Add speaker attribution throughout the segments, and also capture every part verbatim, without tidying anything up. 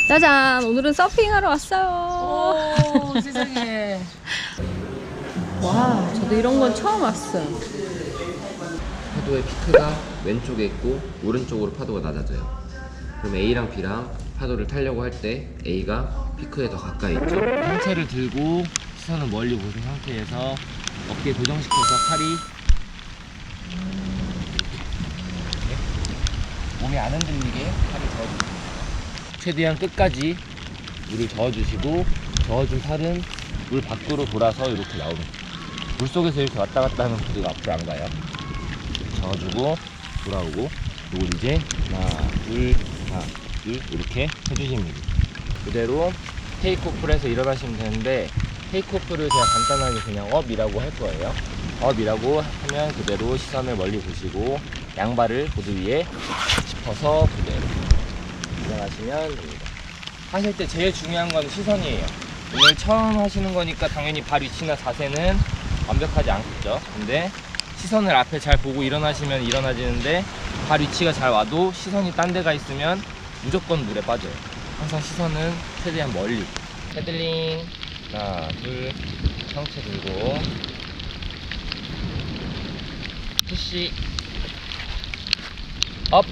Speaker 1: 짜잔! 오늘은 서핑하러 왔어요.
Speaker 2: 오, 세상에.
Speaker 1: 와, 저도 이런 건 처음 왔어요.
Speaker 3: 파도의 피크가 왼쪽에 있고 오른쪽으로 파도가 낮아져요. 그럼 A랑 B랑 파도를 타려고 할 때 A가 피크에 더 가까이 있죠. 상체를 들고 시선을 멀리 보신 상태에서 어깨 고정시켜서 팔이 이렇게 몸이 안 흔들리게 팔을 저어주세요. 최대한 끝까지 물을 저어주시고 저어준 팔은 물 밖으로 돌아서 이렇게 나옵니다. 물속에서 이렇게 왔다 갔다 하면 보드가 앞으로 안 가요. 저어주고 돌아오고 이걸 이제 하나 둘 하나 둘 이렇게 해주시면 됩니다. 그대로 테이크오프를 해서 일어나시면 되는데 테이크오프를 그냥 간단하게 그냥 업이라고 할 거예요. 업이라고 하면 그대로 시선을 멀리 보시고 양발을 보드 위에 짚어서 그대로 일어나시면 됩니다. 하실 때 제일 중요한 건 시선이에요. 오늘 처음 하시는 거니까 당연히 발 위치나 자세는 완벽하지 않겠죠. 근데 시선을 앞에 잘 보고 일어나시면 일어나지는데 발 위치가 잘 와도 시선이 딴 데가 있으면 무조건 물에 빠져요. 항상 시선은 최대한 멀리. 패들링 하나 둘 상체 들고 푸시 업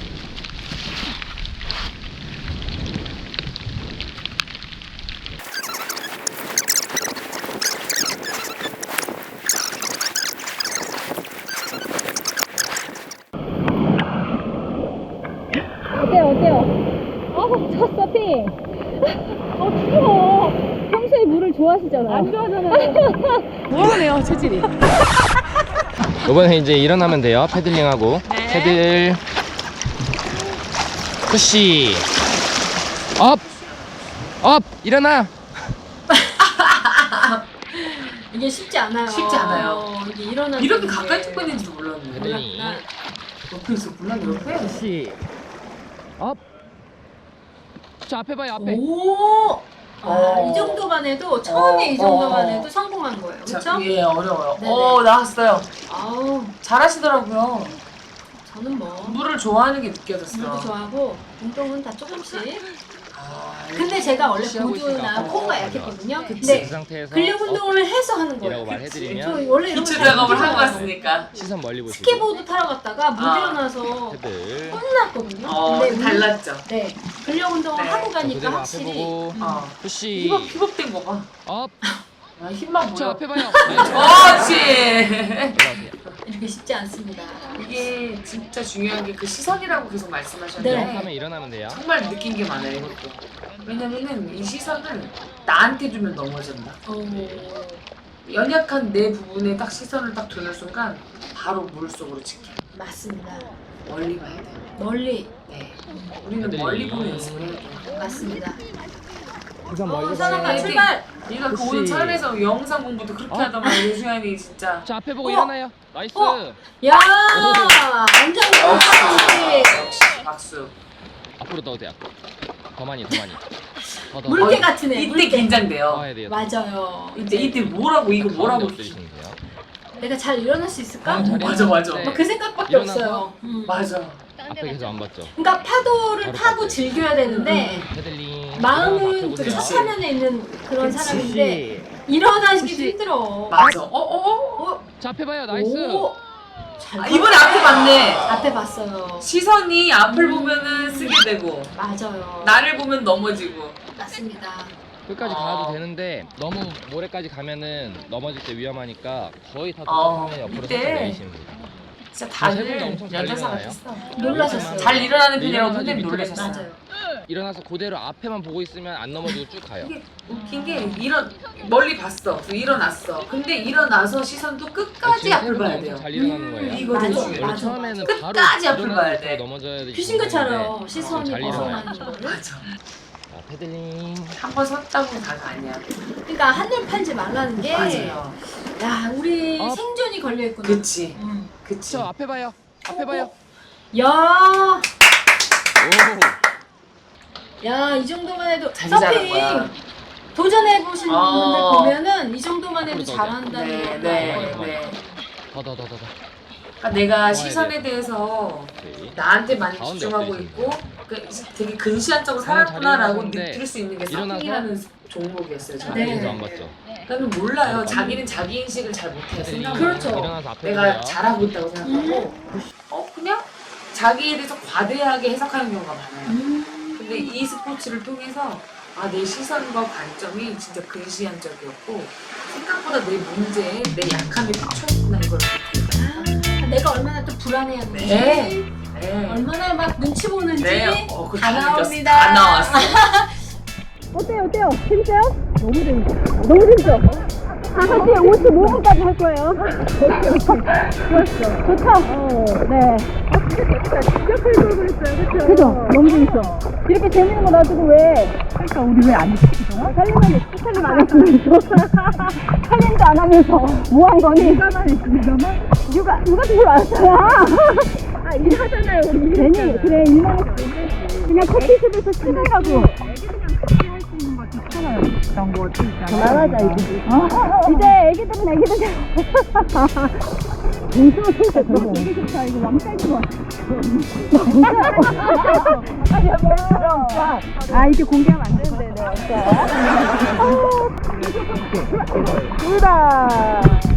Speaker 1: 어때요, 어때요? 어우, 첫 서핑! 어, 추워! 평소에 물을 좋아하시잖아요. 안 좋아하잖아요.
Speaker 2: 모르네요, 체질이.
Speaker 3: 이번에 이제 일어나면 돼요. 패들링하고
Speaker 2: 네.
Speaker 3: 패들 푸시 업! 업! 일어나!
Speaker 1: 이게 쉽지 않아요.
Speaker 2: 쉽지 않아요.
Speaker 1: 어, 이게 일어나는
Speaker 2: 이렇게
Speaker 1: 게
Speaker 2: 가까이 찍고 있는지도 몰랐네.
Speaker 3: 패들링
Speaker 2: 옆에 있어, 몰랐네, 옆에.
Speaker 3: 푸시 업! 저 앞에 봐요, 앞에.
Speaker 2: 오!
Speaker 1: 아,
Speaker 2: 어.
Speaker 1: 이 정도만 해도 처음에
Speaker 2: 어,
Speaker 1: 이 정도만
Speaker 2: 어.
Speaker 1: 해도 성공한 거예요.
Speaker 2: 자,
Speaker 1: 그렇죠?
Speaker 2: 예, 어려워요.
Speaker 1: 네네.
Speaker 2: 오, 나왔어요.
Speaker 1: 아우,
Speaker 2: 잘하시더라고요.
Speaker 1: 저는 뭐
Speaker 2: 물을 좋아하는 게 느껴졌어.
Speaker 1: 물도 좋아하고 운동은 다 조금씩.
Speaker 2: 아,
Speaker 1: 근데 제가 원래
Speaker 3: 시하고
Speaker 1: 보드나
Speaker 3: 있으니까.
Speaker 1: 코어가
Speaker 3: 어,
Speaker 1: 약했거든요.
Speaker 3: 그
Speaker 1: 근데
Speaker 3: 상태에서
Speaker 1: 근력 운동을 해서 하는
Speaker 3: 이라고
Speaker 1: 거예요. 저
Speaker 3: 말해드리면
Speaker 1: 원래 이런
Speaker 2: 기초
Speaker 1: 거잘
Speaker 2: 작업을 하고
Speaker 1: 못해요.
Speaker 2: 왔으니까.
Speaker 3: 시선 멀리 보시고
Speaker 1: 스케보드 타러 갔다가 못
Speaker 2: 아.
Speaker 1: 일어나서
Speaker 3: 패들
Speaker 1: 혼났거든요.
Speaker 2: 어,
Speaker 1: 근데 운-
Speaker 2: 달랐죠.
Speaker 1: 네, 근력 운동을
Speaker 2: 네.
Speaker 1: 하고
Speaker 3: 자,
Speaker 1: 가니까
Speaker 3: 그대로 앞에
Speaker 1: 확실히
Speaker 3: 보고
Speaker 1: 음.
Speaker 2: 어.
Speaker 3: 푸시
Speaker 2: 힙업, 힙업된 거 봐.
Speaker 3: 업!
Speaker 2: 아, 힘만
Speaker 3: 저
Speaker 2: 보여.
Speaker 3: 앞에 봐요.
Speaker 2: 그렇지.
Speaker 3: 올라오세요.
Speaker 1: 이렇게 쉽지 않습니다.
Speaker 2: 이게 진짜 중요한 게 그 시선이라고 계속 말씀하셨는데
Speaker 1: 네.
Speaker 3: 하면 일어나면 돼요.
Speaker 2: 정말 느낀 게 많아요, 이것도. 왜냐면은 이 시선을 나한테 주면 넘어진다.
Speaker 1: 어,
Speaker 2: 연약한 내 부분에 딱 시선을 딱 두는 순간 바로 물 속으로 찍혀.
Speaker 1: 맞습니다.
Speaker 2: 멀리 봐야 돼.
Speaker 1: 멀리
Speaker 2: 네. 우리는
Speaker 3: 애들이-
Speaker 2: 멀리 보는 연습을 해야 돼.
Speaker 1: 맞습니다.
Speaker 3: 시선
Speaker 1: 어,
Speaker 3: 멀리
Speaker 1: 사람아
Speaker 3: 봐요.
Speaker 1: 출발.
Speaker 2: 네가 그
Speaker 3: 혹시-
Speaker 2: 오늘 차에서 영상 공부도 그렇게
Speaker 3: 어?
Speaker 2: 하더만 유수현이 진짜.
Speaker 3: 자 앞에 보고
Speaker 1: 어?
Speaker 3: 일어나요. 나이스.
Speaker 1: 어? 야, 완전 그렇지.
Speaker 2: 역시 박수.
Speaker 3: 앞으로 더 돼요. 더 많이 더 많이. 더 더.
Speaker 1: 물개
Speaker 2: 어,
Speaker 1: 같으네.
Speaker 2: 이때
Speaker 1: 물개.
Speaker 3: 더
Speaker 2: 긴장돼요.
Speaker 3: 해야 돼요.
Speaker 1: 맞아요.
Speaker 2: 이때 이때 뭐라고 이거 뭐라고.
Speaker 3: 엎드리시면 돼요.
Speaker 1: 내가 잘 일어날 수 있을까?
Speaker 3: 어, 잘
Speaker 2: 맞아, 맞아.
Speaker 3: 일어나는데
Speaker 1: 뭐 그 생각밖에
Speaker 3: 일어나서
Speaker 1: 없어요. 음.
Speaker 2: 맞아.
Speaker 3: 앞에 계속 안 봤죠.
Speaker 1: 그러니까 파도를
Speaker 3: 바로
Speaker 1: 타고
Speaker 3: 빠져요.
Speaker 1: 즐겨야 되는데
Speaker 3: 패들링.
Speaker 1: 마음은 좀
Speaker 2: 그치.
Speaker 1: 첫 화면에 있는 그런
Speaker 2: 그치.
Speaker 1: 사람인데 일어나기도
Speaker 3: 혹시-
Speaker 1: 힘들어.
Speaker 2: 맞아. 어, 어, 어?
Speaker 1: 어?
Speaker 3: 자 앞에 봐요. 나이스.
Speaker 1: 오, 잘
Speaker 2: 아, 이번에 앞에 봤네.
Speaker 1: 앞에 봤어요.
Speaker 2: 시선이 앞을 보면은 쓰게 되고
Speaker 1: 맞아요.
Speaker 2: 나를 보면 넘어지고.
Speaker 1: 맞습니다.
Speaker 3: 끝까지
Speaker 2: 어.
Speaker 3: 가도 되는데 너무 모래까지 가면은 넘어질 때 위험하니까 거의 다
Speaker 2: 어,
Speaker 3: 도착하면 옆으로
Speaker 2: 이때
Speaker 3: 살짝 내리시면 돼요.
Speaker 2: 진짜
Speaker 3: 세 분도
Speaker 2: 다들
Speaker 3: 엄청 잘
Speaker 2: 여자사
Speaker 3: 일어나요.
Speaker 2: 같았어.
Speaker 1: 놀라셨어요.
Speaker 2: 잘 일어나는
Speaker 3: 네,
Speaker 2: 편이라고
Speaker 3: 일어나지
Speaker 2: 선생님
Speaker 3: 밑으로
Speaker 2: 놀라셨어요.
Speaker 1: 맞아요.
Speaker 3: 일어나서 그대로 앞에만 보고 있으면 안 넘어지고 쭉 가요.
Speaker 2: 이게 웃긴 게 일어 멀리 봤어. 그래서 일어났어. 근데 일어나서 시선도 끝까지
Speaker 3: 지금
Speaker 2: 앞을 봐야
Speaker 3: 엄청
Speaker 2: 돼요.
Speaker 3: 잘 일어나는
Speaker 1: 음,
Speaker 3: 거예요.
Speaker 2: 이거
Speaker 1: 맞아,
Speaker 2: 되게
Speaker 3: 원래
Speaker 1: 맞아,
Speaker 3: 처음에는
Speaker 2: 맞아.
Speaker 3: 바로
Speaker 2: 끝까지 앞을
Speaker 3: 일어나서
Speaker 2: 봐야 돼.
Speaker 3: 넘어져야 되지.
Speaker 1: 귀신같처럼 시선이
Speaker 3: 잘 일어나요.
Speaker 1: 벗어나는 거를.
Speaker 2: 맞아.
Speaker 3: 자, 패들링.
Speaker 2: 한 번 섰다고 다가 아니야.
Speaker 1: 그러니까 한눈 팔지 말라는 게.
Speaker 2: 맞아요.
Speaker 1: 야, 우리
Speaker 3: 어?
Speaker 1: 생존이 걸려 있구나.
Speaker 2: 그치.
Speaker 1: 음.
Speaker 2: 그치.
Speaker 3: 저 앞에 봐요. 앞에 봐요.
Speaker 1: 야,
Speaker 3: 오.
Speaker 1: 야, 이 정도만 해도
Speaker 2: 자기 잘한
Speaker 1: 서핑
Speaker 2: 거야.
Speaker 1: 도전해 보신
Speaker 2: 어.
Speaker 1: 분들 보면은 이 정도만 해도
Speaker 3: 앞으로 더
Speaker 1: 잘한다는
Speaker 2: 네,
Speaker 1: 거
Speaker 2: 네,
Speaker 1: 알아요.
Speaker 2: 네.
Speaker 3: 더 더 더 더 더.
Speaker 2: 그러니까 내가
Speaker 3: 좋아야
Speaker 2: 시선에
Speaker 3: 돼요.
Speaker 2: 대해서
Speaker 3: 오케이.
Speaker 2: 나한테만
Speaker 3: 가운데
Speaker 2: 집중하고
Speaker 3: 엎드리시면
Speaker 2: 있고 그 그 되게 근시안적으로
Speaker 3: 저는
Speaker 2: 살았구나라고
Speaker 3: 자리를 하는데
Speaker 2: 느낄 수 있는 게
Speaker 3: 일어나서
Speaker 2: 서핑이라는 종목이었어요. 저는.
Speaker 1: 네.
Speaker 3: 아직도 안 갔죠.
Speaker 2: 나는 몰라요. 자기는 자기 인식을 잘 못해요. 생각을.
Speaker 1: 그렇죠.
Speaker 3: 일어나서 앞에
Speaker 2: 내가
Speaker 3: 보세요.
Speaker 2: 잘하고 있다고 생각하고 어 그냥 자기에 대해서 과대하게 해석하는 경우가 많아요.
Speaker 1: 음.
Speaker 2: 근데 이 스포츠를 통해서 아, 내 시선과 관점이 진짜 근시안적이었고 생각보다 내 문제에 내 약함이 꽂혀있구나 이걸
Speaker 1: 아, 내가 얼마나 또 불안해하는지
Speaker 2: 네. 네.
Speaker 1: 얼마나 막 눈치 보는지
Speaker 2: 네. 어, 그거
Speaker 1: 다
Speaker 2: 다 느꼈어.
Speaker 1: 나옵니다.
Speaker 2: 다 나왔어.
Speaker 4: 어때요, 어때요? 재밌어요? 너무 재밌어. 너무 재밌어. 다섯 시에 오십오 분까지 할 거예요. 좋았어. 좋죠? 어, 네. 아, 진짜 재밌다. 진짜 클 그랬어요. 그쵸? 그죠? 너무 재밌어. 이렇게 재밌는 거 놔두고 왜? 그러니까 우리 왜 안 했지, 그동안? 살림은 살림 안 했으면서. 살림도 안 하면서 뭐 한 거니? 육아만 했지, 육아만? 육아, 육아도 별로 안 했잖아. 아, 일하잖아요, 우리. 괜히, 그래, 일만 했지. 그냥 커피숍에서 친구라고. 그런 거 그만하자 애기들. 이제 애기들은 애기들. 무서워 진짜 그거. 되게 좋다. 이거 왕따인 거 같아. 아 이게 공개하면 안 되는데 내가 왕따. 둘다.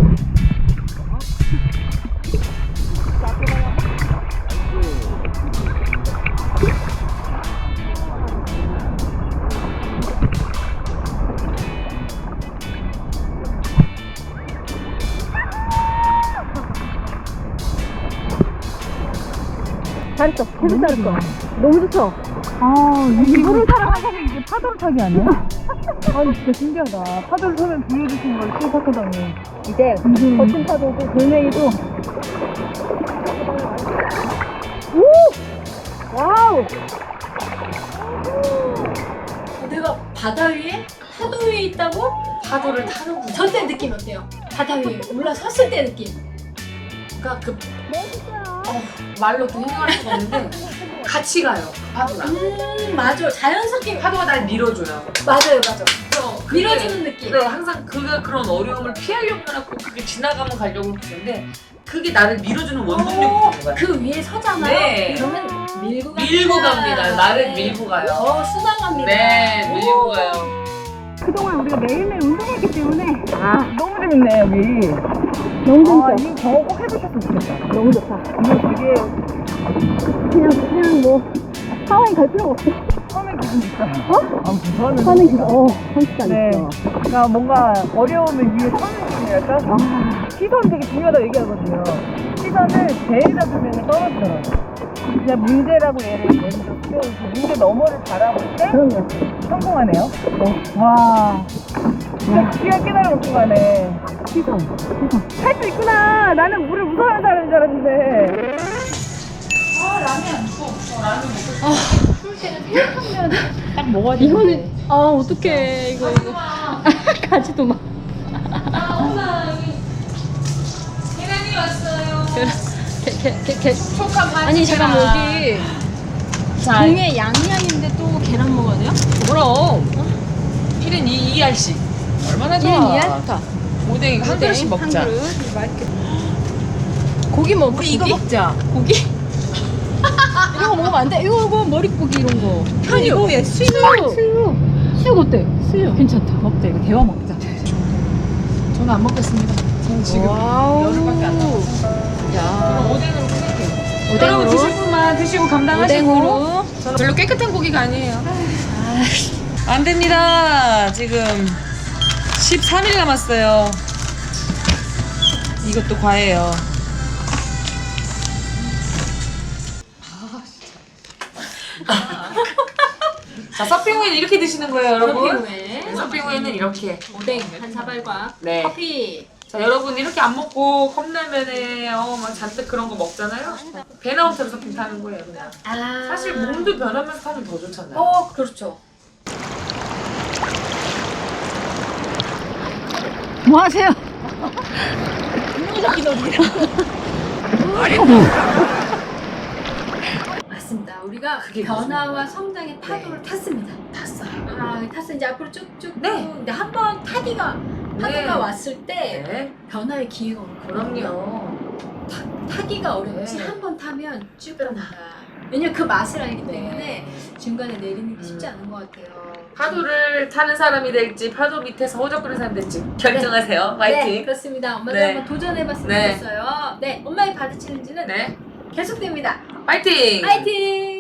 Speaker 4: 잘했어. 계속 잘했어. 너무 좋죠? 아, 이게 물을 타러 가면 이게 파도를 타기 아니야? 아니, 진짜 신기하다. 파도를 타면 보여주신 걸 시작하다니. 이제 거친 파도고 돌멩이도. 오! 와우!
Speaker 1: 내가 바다 위에 파도 위에 있다고?
Speaker 2: 파도를 타는구나.
Speaker 1: 저때 느낌 어때요? 바다 위에 올라섰을 때 느낌.
Speaker 2: 그러니까 그 어, 말로 또 해명할 수가 없는데 같이 가요. 파도랑.
Speaker 1: 음 맞아. 자연스럽게
Speaker 2: 파도가 날 밀어줘요.
Speaker 1: 맞아요 맞아.
Speaker 2: 그래서 그게-
Speaker 1: 밀어주는 느낌.
Speaker 2: 네, 항상 그가 그런 어려움을 피하려고 해놓고 그게 지나가면 가려고 그러는데 그게 나를 밀어주는 원동력이 되는 거야.
Speaker 1: 그 위에 서잖아요.
Speaker 2: 네.
Speaker 1: 그러면 밀고 갑니다.
Speaker 2: 밀고 갑니다. 나를
Speaker 1: 네.
Speaker 2: 밀고 가요.
Speaker 1: 더 수당합니다.
Speaker 2: 네, 밀고 가요.
Speaker 4: 그동안 우리가 매일매일 운동했기 때문에 아 너무 재밌네 여기. 너무 재밌어. 아, 이거 저거 꼭 해보셨으면 좋겠다. 너무 좋다. 이거 되게 그냥 그냥 뭐 하와이 갈 필요가 없어. 하는 기분도 있다. 어? 아 무서워하는 하는 기분. 어, 진짜 네. 있어. 그러니까 뭔가 어려움을 위해 서는 기분이랄까? 아. 시선 되게 중요하다고 얘기하거든요. 시선을 제일 잡으면 떨어지더라고. 진짜 문제라고 얘를 먼저 세우고 문제 너머를 바라볼 때 그럼요. 성공하네요. 네. 와. 진짜 귀가 깨달음없고 가네. 시선. 시선. 할 수 있구나. 나는 물을 무서워하는 사람인 줄 알았는데.
Speaker 2: 아, 라면 안 줘. 어, 라면 먹고 싶어.
Speaker 1: 딱 먹어야 돼.
Speaker 4: 이거는 아 어떡해 이거 이거. 가지도 마.
Speaker 2: 아, 엄마 여기 계란이 왔어요.
Speaker 4: 개개개
Speaker 2: 촉감 한
Speaker 4: 아니 잠깐 여기
Speaker 2: 자,
Speaker 4: 공에 양양인데 또 계란 먹어야 돼요?
Speaker 2: 그럼 일 인 이 알씩 얼마나 좋아.
Speaker 4: 일 인 이 알? 좋다.
Speaker 2: 오뎅 한 그릇씩 먹자.
Speaker 4: 한 그릇 맛있겠다. 고기 먹
Speaker 2: 우리 이거 먹자.
Speaker 4: 고기? 이런 거 먹으면 안 돼. 이거 이거 머릿고기 이런 거.
Speaker 2: 현유.
Speaker 4: 이거 얘 수육. 수육. 수육 어때? 수육. 괜찮다. 먹자 이거 대화 먹자.
Speaker 2: 저는 안 먹겠습니다. 저는 지금
Speaker 4: 와우.
Speaker 2: 열흘밖에 안 남았어요.
Speaker 4: 야.
Speaker 2: 그럼 오뎅으로 끊을게요.
Speaker 4: 오뎅으로?
Speaker 2: 여러분 드실 분만 드시고 감당하시고.
Speaker 4: 오뎅으로.
Speaker 2: 저는 별로 깨끗한 고기가 아니에요. 안 됩니다. 지금 십삼 일 남았어요. 이것도 과해요. 자, 서핑 후에는 이렇게 드시는 거예요, 여러분.
Speaker 1: 서핑 후에
Speaker 2: 서핑 후에는 이렇게.
Speaker 1: 오뎅 한 사발과
Speaker 2: 네.
Speaker 1: 커피.
Speaker 2: 자, 여러분 이렇게 안 먹고 컵라면에 어, 막 잔뜩 그런 거 먹잖아요. 배 나온 채로 서핑 타는 거예요, 그냥.
Speaker 1: 아
Speaker 2: 사실 몸도 변하면서 타면 더 좋잖아요.
Speaker 1: 어 그렇죠.
Speaker 4: 뭐 하세요?
Speaker 1: 맞습니다. 우리가
Speaker 2: 그게
Speaker 1: 변화와 성장의 파도를 탔습니다.
Speaker 2: 탔어요.
Speaker 1: 아 탔어 이제 앞으로 쭉쭉.
Speaker 2: 네.
Speaker 1: 근데 한 번 타기가 파도가
Speaker 2: 네.
Speaker 1: 왔을 때
Speaker 2: 네.
Speaker 1: 변화의 기회가 오거든요.
Speaker 2: 그럼요.
Speaker 1: 타기가 어렵지
Speaker 2: 네.
Speaker 1: 한 번 타면 쭉 갑니다. 왜냐면 그 맛을 알기
Speaker 2: 네.
Speaker 1: 때문에 중간에 내리는 게
Speaker 2: 음.
Speaker 1: 쉽지 않은 것 같아요.
Speaker 2: 파도를 타는 사람이 될지 파도 밑에서 허접거리는 사람이 될지 결정하세요.
Speaker 1: 네,
Speaker 2: 화이팅.
Speaker 1: 그렇습니다. 엄마도
Speaker 2: 네.
Speaker 1: 한번 도전해봤으면
Speaker 2: 네.
Speaker 1: 좋겠어요. 네, 엄마의 바다 챌린지는
Speaker 2: 네.
Speaker 1: 계속됩니다.
Speaker 2: 화이팅.
Speaker 1: 파이팅!